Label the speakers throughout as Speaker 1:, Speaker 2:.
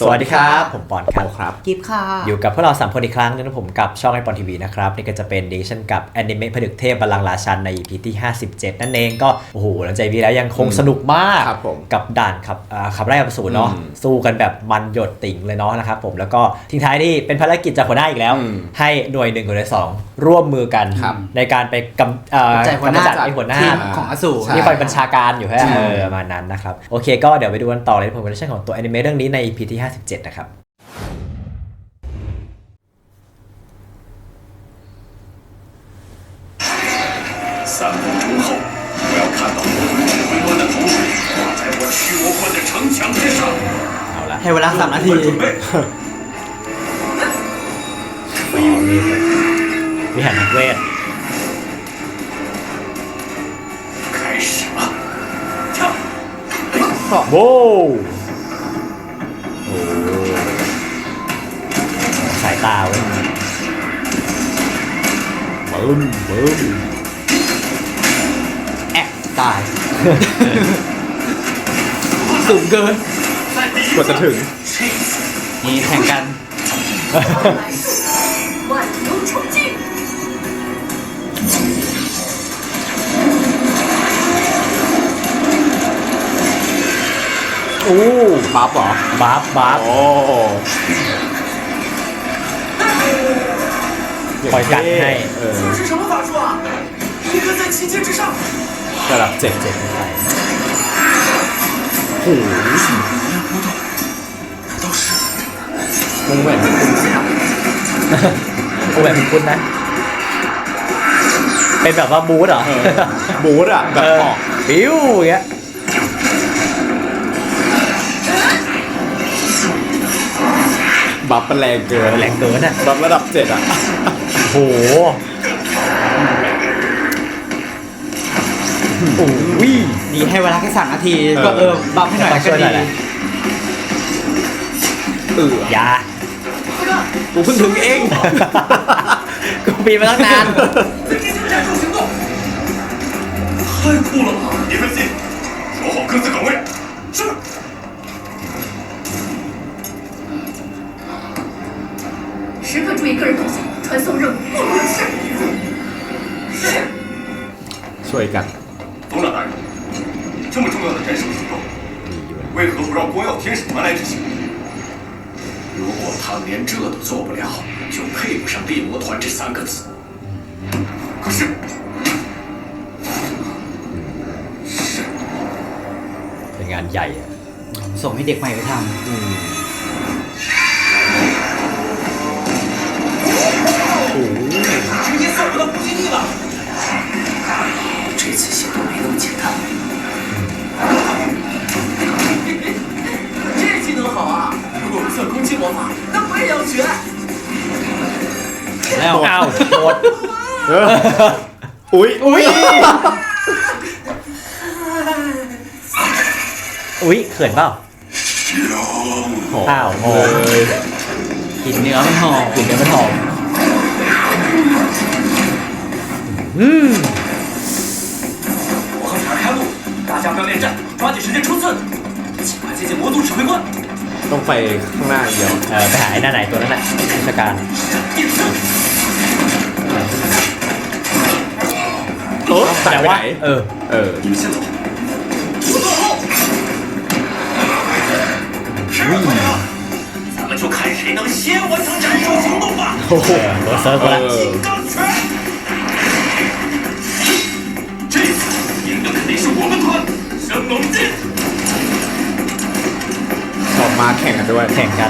Speaker 1: สวัสดีครับผมปอนครับ
Speaker 2: กิฟค่ะ
Speaker 1: อยู่กับพวกเรา3คนอีกครั้งนึงนะผมกับช่องไอปอนทีวีนะครับนี่ก็จะเป็นเดชั่นกับแอนิเมะผนึกเทพบัลลังก์ราชันใน EP ที่57นั่นเองก็โอ้โหหลังจากวีแล้วยังคงสนุกมากกับด่านขับไล่อสูรเนาะสู้กันแบบมันหยดติ่งเลยเนาะนะครับผมแล้วก็ทิ้งท้ายที่เป็นภารกิจจากหัวหน้าอีกแล้วให้หน่วย1กับหน่วย2ร่วมมือกันในการไปกำจัดไอ้หัวหน้า
Speaker 2: ของอสูร
Speaker 1: ที่คอยบัญชาการอยู่ประมาณนั้นนะครับโอเคก็เดี๋ยวไปดูกันต่อเลยผลงานของตัวแอนิเมะเรื่องนี้ใน EP ที่57นะครับ
Speaker 3: 3分钟后，我要看到我回落的头水挂在我驱魔关的城墙之上。
Speaker 1: เอาละ
Speaker 2: ให้เวลา3 นาที
Speaker 1: วิหารนักเวท
Speaker 3: 开始了，跳！
Speaker 1: โว้สายตาเว้ยบึ้ม
Speaker 2: แอกตายสูงเกิน
Speaker 3: กว่า
Speaker 1: จะถึง
Speaker 2: นี่แข่งกัน
Speaker 3: 万流冲击
Speaker 1: โอ้บัฟเหรอบัฟโอ้คอยกันให้
Speaker 3: 这是什么法术啊？一个在7阶之上。
Speaker 1: ระดับ7ไม่ใช่
Speaker 3: โอ้什么波动？都是
Speaker 1: วงแหวนวงแหวนคุณนะเป็นแบบว่าบูธเหรอ
Speaker 2: บูธอ่ะแบบออก
Speaker 1: ปิ้วอย่างเงี้ย
Speaker 2: บัฟแรงเกิน
Speaker 1: อ่ะ
Speaker 2: บัฟระดับ7อ่ะ
Speaker 1: โอ้โห
Speaker 2: นี่ให้เวลาแค่3 นาทีก็บัฟให้หน่อยก็ดี
Speaker 1: อย่า
Speaker 2: กูเพิ่งถึงเอง
Speaker 1: กูปีมาตั้งนาน
Speaker 3: 太酷了吧！别分心，守好各自岗位。是。
Speaker 4: 时刻注意个人动向，传送任务不容有失。是。
Speaker 2: ช่วยกัน
Speaker 3: 董长大人，这么重要的斩首行动，为何不让光耀天使团来执行？如果他们连这都做不了，就配不上猎魔团这3个字。可是，
Speaker 1: เป็นงานใหญ่อะ
Speaker 2: ส่งให้เด็กใหม่ไปทำ
Speaker 3: 直接送我到补给地了。
Speaker 4: 这次行动没那么简单。
Speaker 3: 这技能好啊！如果不算攻击魔法，那我也要学。
Speaker 1: แล้วเอาโดดอุ้ยเขินเปล่าอ้าวโง่
Speaker 2: กลิ่นเนื้อมันหอม
Speaker 3: 我和你儿开路，大家不要恋战，抓紧时间冲刺，尽快接近魔族指挥官。
Speaker 2: ต้องไปข้างหน้าเดียว
Speaker 1: ไปหาไอ้หน้าไหนตัวนั้นแหละราชการ
Speaker 2: แต่ว่า
Speaker 3: 你们先走，我坐后。时间快了，咱们就看谁能先完成斩首行动吧。
Speaker 1: โอ้โหรถเซิร์ฟแล้ว
Speaker 3: 金刚拳，这次赢的肯定是我们团，生猛进。
Speaker 2: ออกมาแข่งกันด้วย
Speaker 1: แข่งกัน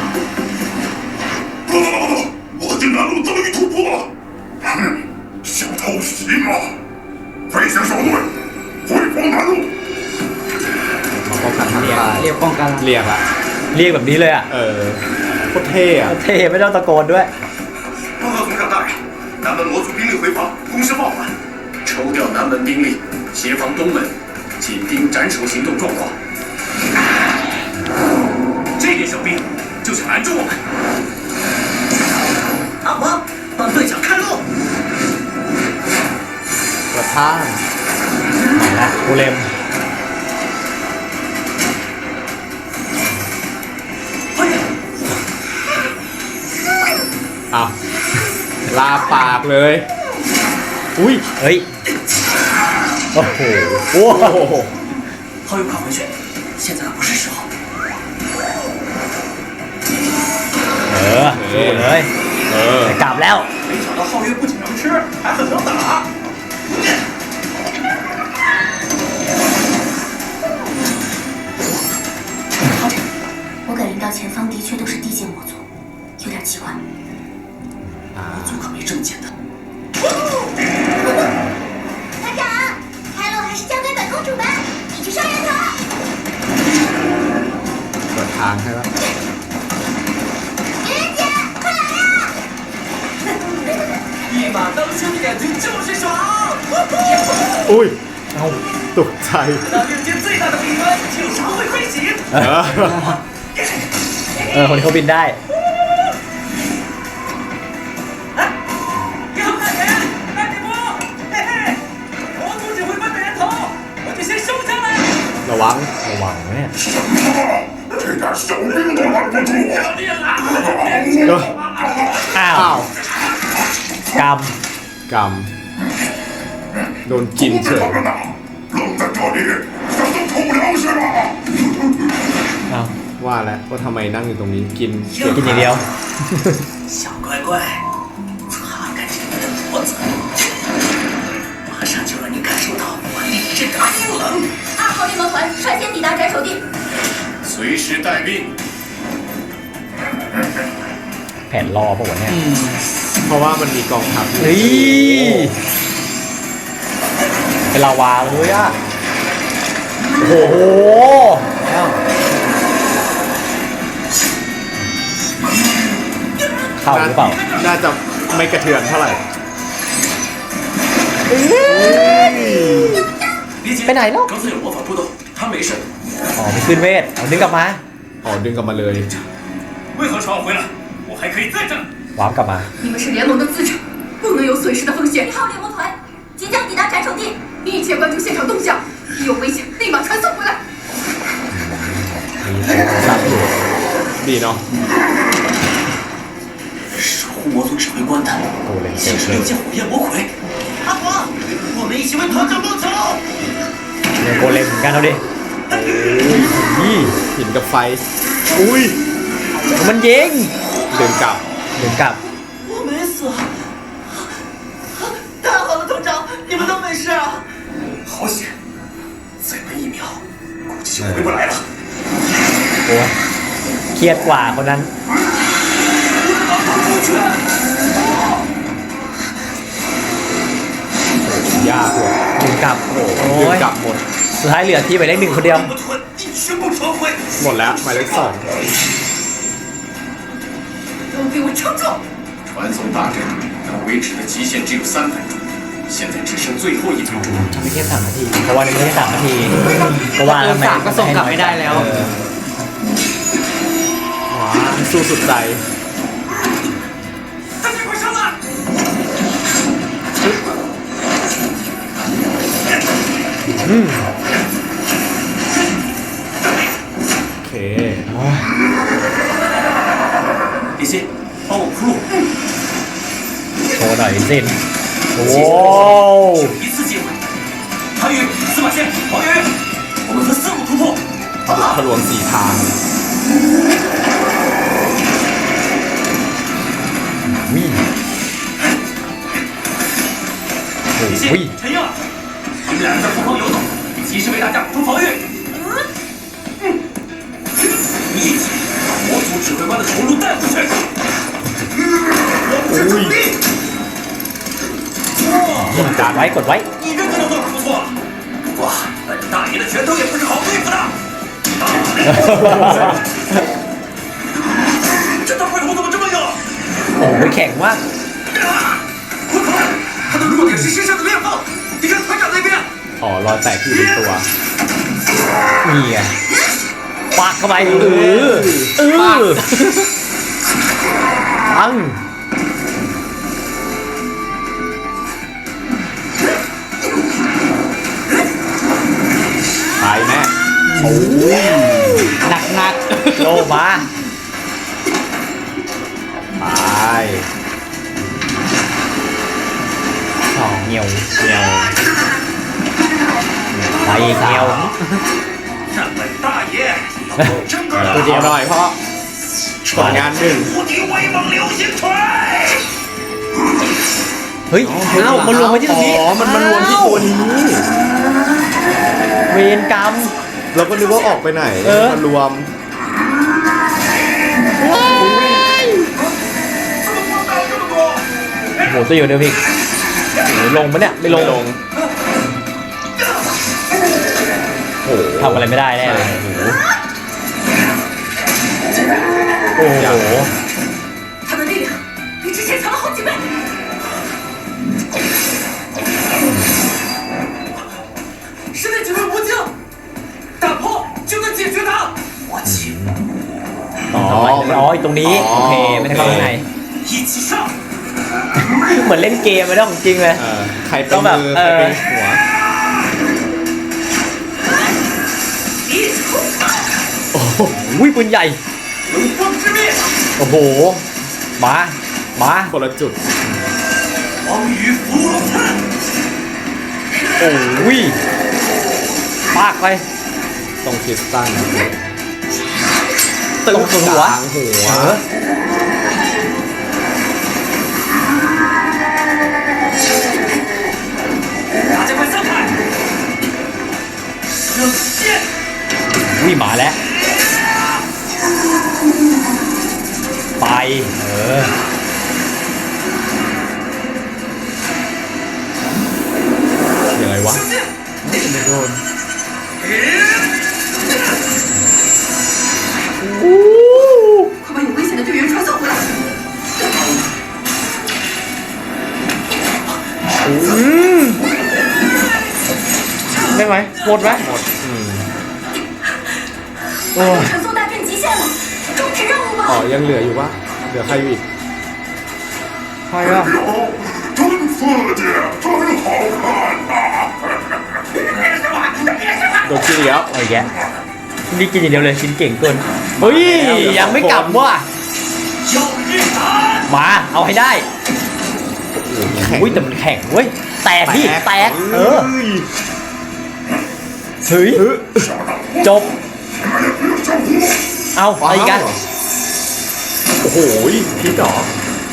Speaker 3: 我的南路遭遇突破，哼，想偷袭吗？飞行小队，回防南路。
Speaker 2: มาป้องกันทางใต้เรียกป้องกัน
Speaker 1: เรียกแบบนี้เลยอ่ะ
Speaker 2: โคตรเท่อะ
Speaker 1: เท่ไม่ต้องตะโกนด้วย
Speaker 3: 报告总长大人，南门魔族兵力回防，攻势放缓，抽调南门兵力协防东门，紧盯斩首行动状况。这点小兵就想拦住我们？阿黄，帮队长开路！
Speaker 2: กระท่า
Speaker 1: มาละกูเลม
Speaker 3: 快点！
Speaker 5: อ้าวลาปากเลย
Speaker 1: อุ้ยเฮ้ยโอ้โหโอ้โห
Speaker 3: 浩宇，快回去，现在可不是时候。
Speaker 1: สู้เลย กลับแล้ว
Speaker 3: 没想到浩宇不仅能吃，还很能打。
Speaker 4: 好点，我感应到前方的确都是地界魔族，有点奇怪。
Speaker 3: 魔族可没这么简单。
Speaker 4: 团长，开路还是交给本公主吧，你去杀人头。
Speaker 5: เปิดทางให้แล้ว
Speaker 4: 愚人节，快来呀！
Speaker 3: 一马当先的感觉就是爽。
Speaker 5: อุ้ย
Speaker 1: เอ้า
Speaker 5: ตกใจ
Speaker 3: 那六界最大的弊端经常会飞行。
Speaker 1: คนนี้เขาบินได้
Speaker 3: 你好，大人，大姐夫，嘿嘿，魔族指挥官的人头，我就先收下来。
Speaker 5: ระวัง
Speaker 1: ระวังนะเนี่ย
Speaker 3: 这点小兵都拦不住我。
Speaker 1: อ้า
Speaker 5: อ้าว ว
Speaker 1: กรรม
Speaker 5: กรรมโดนกินเฉย
Speaker 3: 了呢，愣在这里，想都出不了是吧？
Speaker 1: อ้าว
Speaker 5: ว่าแล้วว่าทำไมนั่งอยู่ตรงนี้กินเก็บ
Speaker 1: กินอย่างเดียว
Speaker 3: 小乖乖，擦干净你的脖子，马上就让你感受到我厉之大阴冷。
Speaker 4: 2号猎魔团率先抵达斩首地。
Speaker 3: 随时待命。
Speaker 1: แผนรอป่ะวะเนี่ย
Speaker 5: เพราะว่ามันมีกองทัพอยู่
Speaker 1: เฮ้ยเป็นลาวาเลยอ่ะ โอ้โหเข้าหรือเปล่า
Speaker 5: น่าจะไม่กระเทือนเท่าไหร่
Speaker 3: 理解。
Speaker 1: ไปไหนแล้ว
Speaker 3: 刚才有魔法波动，他没事。
Speaker 1: อ๋อไม่ขึ้นเวทเอาดึงกลับมา
Speaker 5: อ๋อดึงกลับมาเลย
Speaker 3: 为何传我回来？我还可以再战。
Speaker 1: วาร์ปกลับมา
Speaker 4: 你们是联盟的资产，不能有损失的风险。1号猎魔团即将抵达斩首地，密切关注现场动向，一有危险立马传送回来。
Speaker 1: มีซับอยู่
Speaker 5: ดีเนาะ
Speaker 3: 守护魔族指挥官的，
Speaker 1: โกเลม
Speaker 3: 竟
Speaker 1: เต็ม
Speaker 3: 是
Speaker 1: เล
Speaker 3: 六
Speaker 1: ย
Speaker 3: 界火焰魔魁。阿黄，我们一起为团长报仇。
Speaker 1: เนี่ยโกเลมเหมือนกันเอาดินี่
Speaker 5: หินกับไฟ อุ้ย
Speaker 1: มันยิง
Speaker 5: เดินกลับ
Speaker 1: เดินกลับ
Speaker 3: 我没死，太好了，团长，你们都没事啊！好险，再闷1秒，估计就回不来了。
Speaker 1: โอ้ยเครียดกว่าคนนั้น
Speaker 5: ยากกว่า
Speaker 1: เดินกลับโอ้
Speaker 5: เดิน
Speaker 1: ย
Speaker 5: กลับหมด
Speaker 1: สุดท้ายเหลือที่ไปได้หนึ่งคนเดียว
Speaker 3: 猎魔团一去不传回，
Speaker 5: หมดแล้วหมายเลข2
Speaker 4: 都给我撑住！
Speaker 3: 传送大阵能维持的极限只有3分钟，现在只剩最后1秒钟。
Speaker 1: ทำไปแค่3 นาที เพราะว่าไม่ได้3 นาที เพราะว่าทำไม
Speaker 2: 3ก็ส่งกลับไม่ได้แล้ว
Speaker 5: ว้าสู้สุดใจ
Speaker 3: 大家快上来！
Speaker 5: โอเค
Speaker 3: 李欣，帮我铺路，
Speaker 1: โชว์หน่อยสินโอ้
Speaker 3: 只有一次机会。韩宇，司马迁，黄宇，我们分4路突破。
Speaker 5: ทะลวง4 ทาง
Speaker 1: วิ่ง
Speaker 3: 李
Speaker 1: วิ่ง
Speaker 3: 欣，陈英儿，你们俩人在后方游走，及时为大家补充防御。一起把魔族指挥官的头颅带回去。我不是助力。
Speaker 1: กดไว้กดไว้
Speaker 3: 你这个动作可不错，不过本大爷的拳头也不是好对付的。这大块头怎么这么硬？
Speaker 1: โอ้โหแข็งมาก
Speaker 3: 快跑！他的弱点是身上的裂缝，你看团长那边。
Speaker 5: อ๋อรอยแตกที่อยู่ในตัว
Speaker 1: นี่ไงปากเข้าไปปัง
Speaker 5: ตายแน่
Speaker 2: หนัก
Speaker 1: โลมา
Speaker 5: ตาย
Speaker 1: เงี้ยว
Speaker 5: เงียว
Speaker 1: ไปอีกเงี้ยว
Speaker 3: 让本大爷整个
Speaker 5: ตัวเดียวหน่อยเพราะผลงานหนึ่ง
Speaker 3: 无敌威猛流星锤！
Speaker 1: เฮ้ยเอ้ามันรวมไว้ที่ตรงนี้
Speaker 5: อ๋อมันรวมที่ตัวนี้
Speaker 1: เวรกรรม
Speaker 5: เราก็นึกว่าออกไปไหน
Speaker 1: เออ
Speaker 5: มันรวม
Speaker 3: 怎么光打这么多？
Speaker 1: โหตัวอยู่เดียวพี่โหลงปะเนี่ยไม่ลง
Speaker 5: โอ้โห
Speaker 1: ทำอะไรไม่ได้แน่เลยโอ้โห
Speaker 4: 他的力量比之前强了好几倍。
Speaker 3: 实在几位无尽，大炮就能解决他。我去，
Speaker 1: อ๋ออีกตรงนี้โอเคไม่ได้เข้าข้างใน
Speaker 3: 一起上！
Speaker 1: เหมือนเล่นเกมไม่ได้ของจริงเลย
Speaker 5: ใครเป็
Speaker 1: ต้อน งแบบ
Speaker 5: มือใครเป็นหัว
Speaker 1: โอ้โหปืนใหญ่
Speaker 3: 龙光之灭，
Speaker 1: โอ้โหมา
Speaker 5: คนละจุด
Speaker 3: 黄羽伏龙参。
Speaker 1: โอ้ยปากไป
Speaker 5: ตรงคริสตัล
Speaker 1: ตรงหัว
Speaker 5: กลางหัว
Speaker 3: 大家快散开！射线！
Speaker 1: วิ่งมาแล้ว ไป
Speaker 5: ยังไงวะ
Speaker 3: 射线！
Speaker 4: 快把有危险的队员传送回来！
Speaker 1: ได้ไหมหมดไหม
Speaker 5: หมด
Speaker 1: โอ้ย
Speaker 4: 传送大阵极限了，终止任务
Speaker 5: อ๋อ
Speaker 4: 吧！
Speaker 5: ยังเหลืออยู่ปะเหลือใครอยู่อีก
Speaker 1: ใครอ่ะ
Speaker 3: 真刺激，真好看呐！别说话，别说话！
Speaker 5: โดนกินอีกแล้ว
Speaker 1: เอาอีกแกนี่กินอย่างเดียวเลยชิ้นเก่งเกินเฮ้ยยังไม่กลับว่ะ
Speaker 3: 要日谈！
Speaker 1: มาเอาให้ได้อุ้ยแต่มันแข็งเว้ยแตกพี่แตกเฮ้ยจบเอาอะไรอีกัน
Speaker 5: โอ้โหพี่ดอก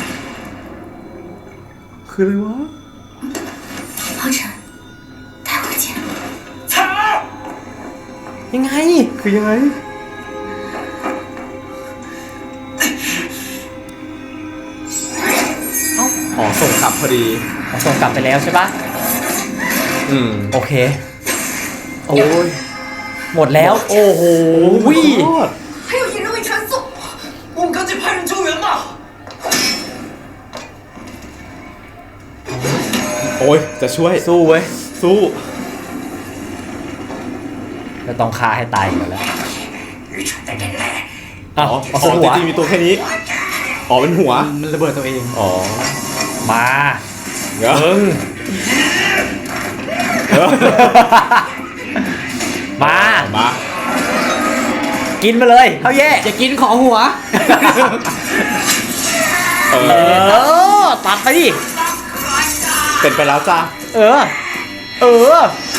Speaker 5: คืออะไรวะ
Speaker 4: 王晨，带回去。
Speaker 3: 操！
Speaker 1: ยังไง
Speaker 5: คือยังไงอ๋อส่งกลับพอดี
Speaker 1: ส่งกลับไปแล้วใช่ปะ โอเค
Speaker 5: โอ้ย
Speaker 1: หมดแล้ว โอ้โห
Speaker 5: โคตร
Speaker 4: 还有一人未传送，
Speaker 3: 我们赶紧派人救援吧！
Speaker 5: โอ้ยจะช่วย
Speaker 1: สู้เว้ย
Speaker 5: สู้
Speaker 1: จะต้องฆ่าให้ตายก่อนแล้ว
Speaker 3: 愚蠢的人类！
Speaker 1: อ๋อ
Speaker 5: อ๋อ
Speaker 1: เอาหัว
Speaker 5: จริงๆมีตัวแค่นี้ อ๋อเป็นหัว
Speaker 2: มันระเบิดตัวเอง
Speaker 5: อ๋อ
Speaker 1: มา
Speaker 5: เดี๋ยว
Speaker 1: มึง มา
Speaker 5: มา
Speaker 1: กินมาเลยเท่าแย่
Speaker 2: จะกินของหัว
Speaker 5: เอ
Speaker 1: เอ
Speaker 5: อ
Speaker 1: อ ตัดไปดิ
Speaker 5: เป็นไปแล้วจ้า
Speaker 1: เออ เออ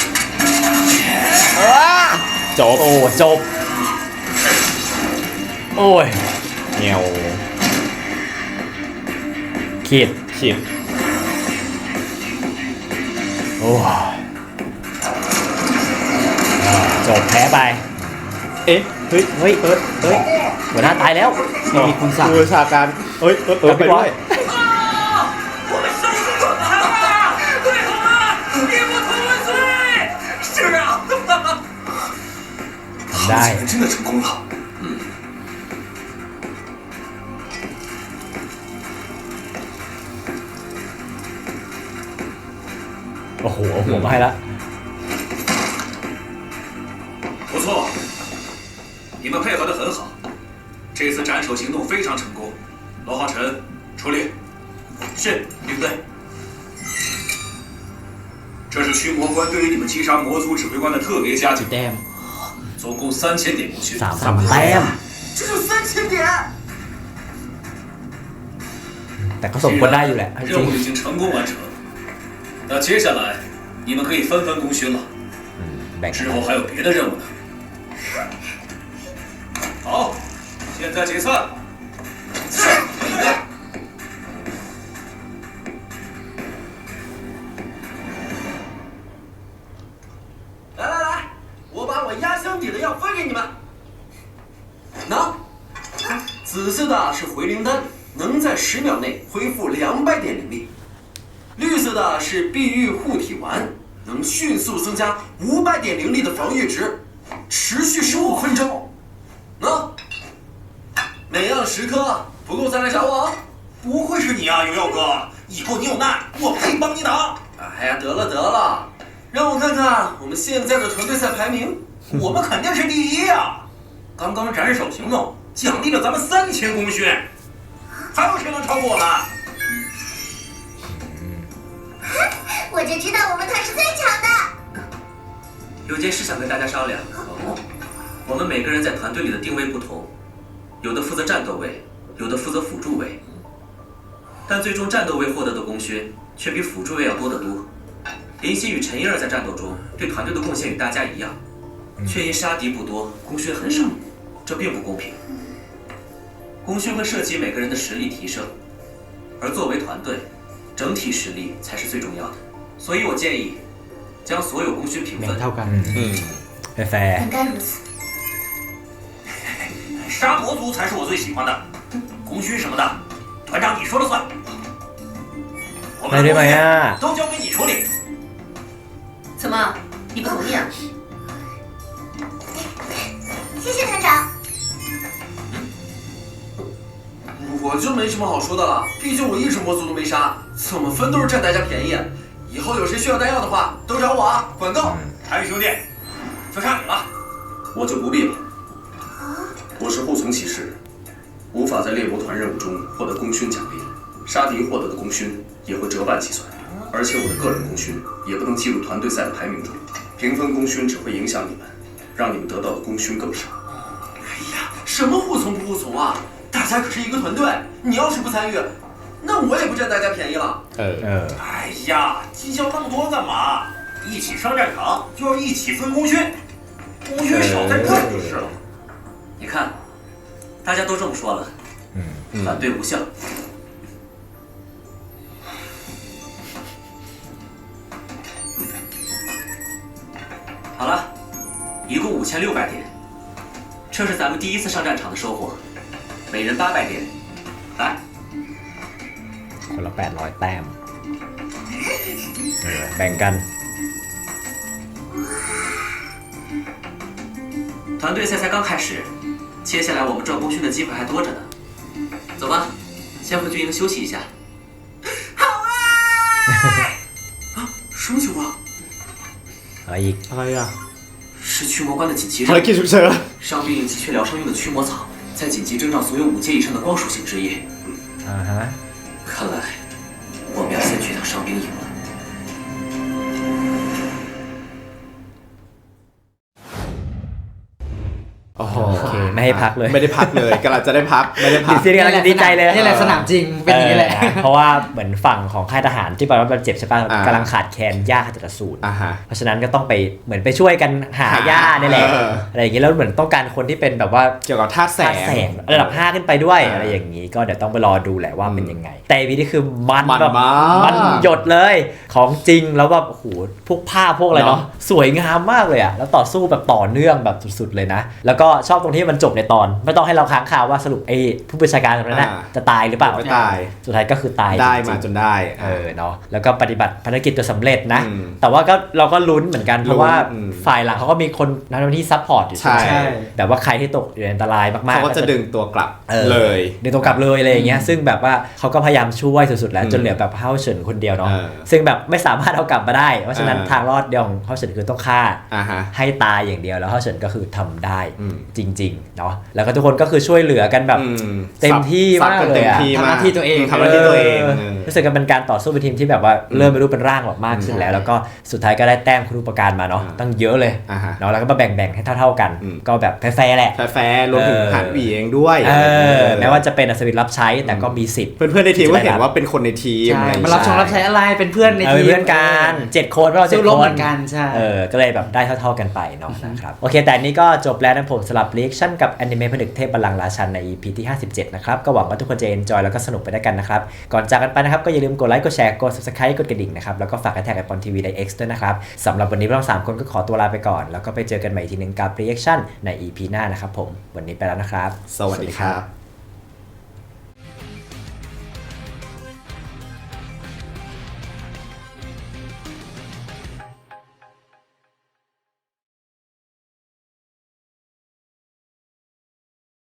Speaker 5: จบ
Speaker 1: โอ้ จบ โอ้ย
Speaker 5: เงียว
Speaker 1: ขีด
Speaker 5: ขีด
Speaker 1: โอ้จบแพ้ไป
Speaker 5: เอ๊ะ เฮ้ย
Speaker 1: เฮ้ย เฮ้ย หัวหน้าตายแล้ว
Speaker 2: มีคุณสั่ง
Speaker 5: ผู้บัญชาการเอ้ยไปด้วย
Speaker 3: 我们生死存亡啊！对好了，一不同万岁！是啊，
Speaker 1: ได้
Speaker 3: 真的成功了。
Speaker 1: โอ้โหเอาหัวมาให้ละ
Speaker 3: 不错，你们配合的很好，这次斩首行动非常成功。罗浩辰，出列。是，领队。这是驱魔官对于你们击杀魔族指挥官的特别嘉奖，
Speaker 2: แต้ม
Speaker 3: 总共3000点魔血。
Speaker 1: 3,000 แต้ม
Speaker 3: 这就3000点。
Speaker 1: แต่ก็สมควรได้อยู่แหละจ
Speaker 3: 任
Speaker 1: ริง
Speaker 3: 务已经成功完成， 那接下来你们可以分分功勋了。
Speaker 1: แบ่ง
Speaker 3: 之后还有别的任务呢。好，现在解散。
Speaker 6: 来来来，我把我压箱底的药分给你们。喏，紫色的是回灵丹，能在10秒内恢复200点灵力；绿色的是碧玉护体丸，能迅速增加500点灵力的防御值，持续15分钟。喏，每样10颗，不够再来找我。
Speaker 7: 不会是你啊，有药哥！以后你有难，我陪帮你打。
Speaker 6: 哎呀，得了得了，让我看看我们现在的团队赛排名。
Speaker 7: 我们肯定是第1呀！刚刚斩首行动奖励了咱们3000功勋，还有谁能超过我们？
Speaker 8: 我就知道我们团是最强的。
Speaker 9: 有件事想跟大家商量。我们每个人在团队里的定位不同，有的负责战斗位，有的负责辅助位。但最终战斗位获得的功勋却比辅助位要多得多。林夕与陈一儿在战斗中对团队的贡献与大家一样，却因杀敌不多，功勋很少，这并不公平。功勋会涉及每个人的实力提升，而作为团队，整体实力才是最重要的。所以我建议将所有功勋平
Speaker 2: แบ่ง
Speaker 9: 分。
Speaker 2: เท่ากัน
Speaker 1: แฟร์
Speaker 8: 本该如此。
Speaker 7: 杀魔族才是我最喜欢的，功勋什么的，团长你说了算。我们的功勋都交给你处理。
Speaker 4: 怎么，你不同意啊？
Speaker 8: 谢谢团长。
Speaker 6: 我就没什么好说的了，毕竟我一只魔族都没杀，怎么分都是占大家便宜。以后有谁需要弹药的话，都找我啊，管够。
Speaker 7: 韩宇兄弟，就差你了。
Speaker 3: 我就不必了。我是护从骑士，无法在猎魔团任务中获得功勋奖励，杀敌获得的功勋也会折半计算，而且我的个人功勋也不能计入团队赛的排名中。平分功勋只会影响你们，让你们得到的功勋更少。
Speaker 6: 哎呀，什么护从不护从啊？大家可是一个团队，你要是不参与，那我也不占大家便宜了。
Speaker 7: 哎呀，计较那么多干嘛？一起上战场就要一起分功勋，功勋少在这儿就是了。
Speaker 9: 你看，大家都这么说了，反对无效。好了，一共5600点，这是咱们第1次上战场的收获，每人800点，来。
Speaker 1: คนละ800 แต้มแบ่งกัน
Speaker 9: 团队赛才刚开始，接下来我们赚功勋的机会还多着呢。走吧，先回军营休息一下。
Speaker 6: 好啊！啊，什么情况？
Speaker 1: อะไรอีก
Speaker 2: อะไรอ่ะ
Speaker 9: 是驱魔官的紧急
Speaker 5: ภาร
Speaker 9: 任
Speaker 5: กิจ
Speaker 9: 务，
Speaker 5: ฉุกเฉิน
Speaker 9: 伤病及缺疗伤用的驱魔草，在紧急征召所有5阶以上的光属性职业。
Speaker 1: อ่าฮะ
Speaker 9: 看来我们要先去趟伤兵营了。
Speaker 5: โอ้โห
Speaker 1: โอเคไม่ให้พักเลย
Speaker 5: ไม่ได้พักเลยกำลังจะได้พักไม่ได้พัก
Speaker 1: ซีรีส์กำลังจะดีใจเลย
Speaker 2: นี่แหละสนามจริงเป็นอย่างนี้แหละ
Speaker 1: เพราะว่าเหมือนฝั่งของค่ายทหารที่แบบว่าบาดเจ็บใช่ป่ะ
Speaker 5: อ่าก
Speaker 1: ำลังขาดแคลนหญ้าขจัดอสูร
Speaker 5: อ่าฮะ
Speaker 1: เพราะฉะนั้นก็ต้องไปเหมือนไปช่วยกันหาหญ้านี่แหละ
Speaker 5: เออ
Speaker 1: อะไรอย่างงี้แล้วเหมือนต้องการคนที่เป็นแบบว่า
Speaker 5: เกี่ยวกับธาตุแส
Speaker 1: ธาตุแสงระดับ 5 ขึ้นไปด้วย
Speaker 5: อ่า
Speaker 1: อะไรอย่างนี้ก็เดี๋ยวต้องไปรอดูแหละว่าเป็นยังไง แต่อีพีนี้คือมัน
Speaker 5: มัน
Speaker 1: แบบ
Speaker 5: มาก
Speaker 1: มันหยดเลยของจริงแล้วแบบโอ้โหพวกผ้าพวกอะไรเนาะ
Speaker 5: เนาะ
Speaker 1: สวยงามมากเลยอะแล้วต่อสู้แบบต่อเนื่องแบบสุดๆเลยนะ แล้วก็ชอบตรงที่มันจบในตอนไม่ต้องให้เราค้างคาว่าสรุปไอ้ผู้บัญชาการคนนั้นนะจะตายหรือเปล่า
Speaker 5: ไม่ตาย
Speaker 1: สุดท้ายก็คือตาย
Speaker 5: ได้
Speaker 1: จริงๆ
Speaker 5: มาจนได้
Speaker 1: เนาะแล้วก็ปฏิบัติภารกิจจนสำเร็จนะ
Speaker 5: อืม
Speaker 1: แต่ว่าก็เราก็ลุ้นเหมือนกันเพราะว่า
Speaker 5: อืม
Speaker 1: ฝ่ายหลังเขาก็มีคนทำหน้าที่ซัพพอร์ตอยู่ใช่ไหม
Speaker 5: ใช่
Speaker 1: แบบว่าใครที่ตกอยู่ในอันตรายมากๆ
Speaker 5: เขาก็จะดึงตัวกลับ
Speaker 1: ออ
Speaker 5: เลย
Speaker 1: ดึงตัวกลับเลยอะไรอย่างเงี้ยซึ่งแบบว่าเขาก็พยายามช่วยสุดๆแล้ว
Speaker 5: อืม
Speaker 1: จนเหลือแบบเฮาเฉินคนเดียวเนาะ
Speaker 5: เออ
Speaker 1: ซึ่งแบบไม่สามารถเอากลับมาได้เพราะฉะนั้น ทางรอดเดียวของเฮาเฉินคือต้องฆ่า
Speaker 5: อ่าฮะ
Speaker 1: ให้ตายอย่างเดียวแล้วเฮาเฉินก็คือทำได้
Speaker 5: อืม
Speaker 1: จริงริงๆเนาะแล้วก็ทุกคนก็คือช่วยเหลือกันแบบเต็มที่มากเลยอะ
Speaker 2: ทำหน้าที่ตัวเอง
Speaker 5: ทำหน้าที่ตัวเอง
Speaker 1: รู้สึกกันเป็นการต่อสู้เป็นทีมที่แบบว่าเริ่มไม่รู้เป็นร่างแบบมากขึ้นแล้วแล้วก็สุดท้ายก็ได้แต้มคุณูปการมาเนาะตั้งเยอะเลยเนาะแล้วก็มาแบ่งๆให้เท่าๆกันก็แบบแฟร์ๆแหละ
Speaker 5: แฟร์รวมถึงหานหวีเองด้วย
Speaker 1: แม้ว่าจะเป็นอัศวินรับใช้แต่ก็มีสิทธิ์
Speaker 5: เพื่อนๆในทีมก็เห็นว่าเป็นคนในทีม
Speaker 2: มารับใช้อะไรเป็นเพื่อนในทีม
Speaker 1: เพื่อนกัน7 คนเรา7 คน
Speaker 2: กันใช่
Speaker 1: ก็เลยแบบได้เท่าๆกันไปเนาะนะครับโอเคแต่นี้ก็จบแล้วนะผมสำหรับ reaction กับแอนิเมะผนึกเทพบัลลังก์ราชันใน EP ที่57นะครับก็หวังว่าทุกคนจะ enjoy แล้วก็สนุกไปด้วยกันนะครับก่อนจากกันไปนะครับก็อย่าลืมกดไลค์กดแชร์กด subscribe กดกระดิ่งนะครับแล้วก็ฝากแท็กไอปอนทีวีใน X ด้วยนะครับสำหรับวันนี้เรา3 คนก็ขอตัวลาไปก่อนแล้วก็ไปเจอกันใหม่ทีนึงกับ reaction ใน EP หน้านะครับผมวันนี้ไปแล้วนะครับ
Speaker 5: สวัสดีครับ